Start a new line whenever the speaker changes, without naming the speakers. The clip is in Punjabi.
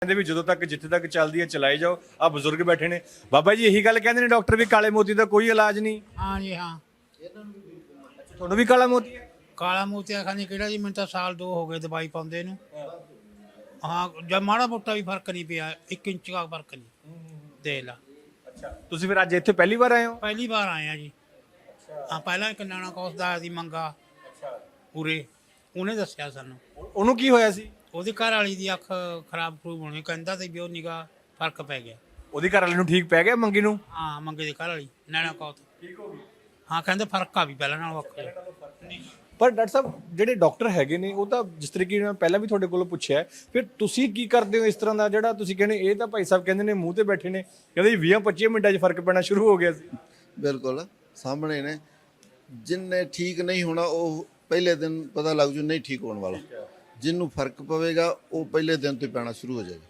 ਕਹਿੰਦੇ ਵੀ ਜਦੋਂ ਤੱਕ ਜਿੱਥੇ ਤੱਕ ਚੱਲਦੀ ਹੈ ਚਲਾਈ ਜਾਓ। ਆ ਬਜ਼ੁਰਗ ਬੈਠੇ ਨੇ ਬਾਬਾ ਜੀ, ਇਹੀ ਗੱਲ ਕਹਿੰਦੇ ਨੇ ਡਾਕਟਰ ਵੀ ਕਾਲੇ ਮੋਤੀ ਦਾ ਕੋਈ ਇਲਾਜ ਨਹੀਂ।
हाँ जी हाँ।
ਤੁਹਾਨੂੰ ਵੀ ਕਾਲਾ ਮੋਤੀ ਹੈ?
काला मोतिया खाने केड़ा जी, मैं तो साल 2 हो गए दवाई पाਉਂਦੇ ਨੂੰ। हाँ जब माड़ा मोटा भी फर्क नहीं पिया, 1 इंच का फर्क नहीं दे ला।
ਅੱਛਾ, ਤੁਸੀਂ ਫਿਰ ਅੱਜ ਇੱਥੇ ਪਹਿਲੀ ਵਾਰ ਆਏ ਹੋ?
पहली बार आए हैं जी। हाँ पहला एक नाना कौस दा दी मंगा पूरे ਉਹਨੇ ਦੱਸਿਆ ਸਾਨੂੰ।
ਉਹਨੂੰ ਕੀ ਹੋਇਆ ਸੀ?
ਉਹਦੀ ਘਰ ਵਾਲੀ ਦੀ ਅੱਖ ਖਰਾਬ ਖਰੂਬ ਹੋਣੀ, ਕਹਿੰਦਾ ਤੇ ਵੀ ਉਹ ਨਿਗਾ ਫਰਕ ਪੈ ਗਿਆ।
ਉਹਦੀ ਘਰ ਵਾਲੇ ਨੂੰ ਠੀਕ ਪੈ ਗਿਆ ਮੰਗੀ ਨੂੰ?
ਹਾਂ ਮੰਗੇ ਦੀ ਘਰ ਵਾਲੀ ਨਾਨਾ ਕੌਸ ਠੀਕ ਹੋ ਗਈ। ਹਾਂ ਕਹਿੰਦੇ ਫਰਕ ਆ ਵੀ ਪਹਿਲਾਂ ਨਾਲੋਂ ਵੱਖ ਹੈ।
ਪਰ ਡਾਕਟਰ ਸਾਹਿਬ ਜਿਹੜੇ ਡਾਕਟਰ ਹੈਗੇ ਨੇ ਉਹ ਤਾਂ ਜਿਸ ਤਰੀਕੇ ਨਾਲ ਪਹਿਲਾਂ ਵੀ ਤੁਹਾਡੇ ਕੋਲੋਂ ਪੁੱਛਿਆ, ਫਿਰ ਤੁਸੀਂ ਕੀ ਕਰਦੇ ਹੋ ਇਸ ਤਰ੍ਹਾਂ ਦਾ ਜਿਹੜਾ ਤੁਸੀਂ ਕਹਿੰਦੇ ਇਹ ਤਾਂ ਭਾਈ ਸਾਹਿਬ ਕਹਿੰਦੇ ਨੇ ਮੂੰਹ ਤੇ ਬੈਠੇ ਨੇ, ਕਹਿੰਦੇ 20-25 ਮਿੰਟਾਂ 'ਚ ਫਰਕ ਪੈਣਾ ਸ਼ੁਰੂ ਹੋ ਗਿਆ ਸੀ।
ਬਿਲਕੁਲ ਸਾਹਮਣੇ ਨੇ, ਜਿੰਨੇ ਠੀਕ ਨਹੀਂ ਹੋਣਾ ਉਹ ਪਹਿਲੇ ਦਿਨ ਪਤਾ ਲੱਗ ਜੂ ਨਹੀਂ ਠੀਕ ਹੋਣ ਵਾਲਾ, ਜਿਹਨੂੰ ਫਰਕ ਪਵੇਗਾ ਉਹ ਪਹਿਲੇ ਦਿਨ ਤੋਂ ਹੀ ਪੈਣਾ ਸ਼ੁਰੂ ਹੋ ਜਾਏਗਾ।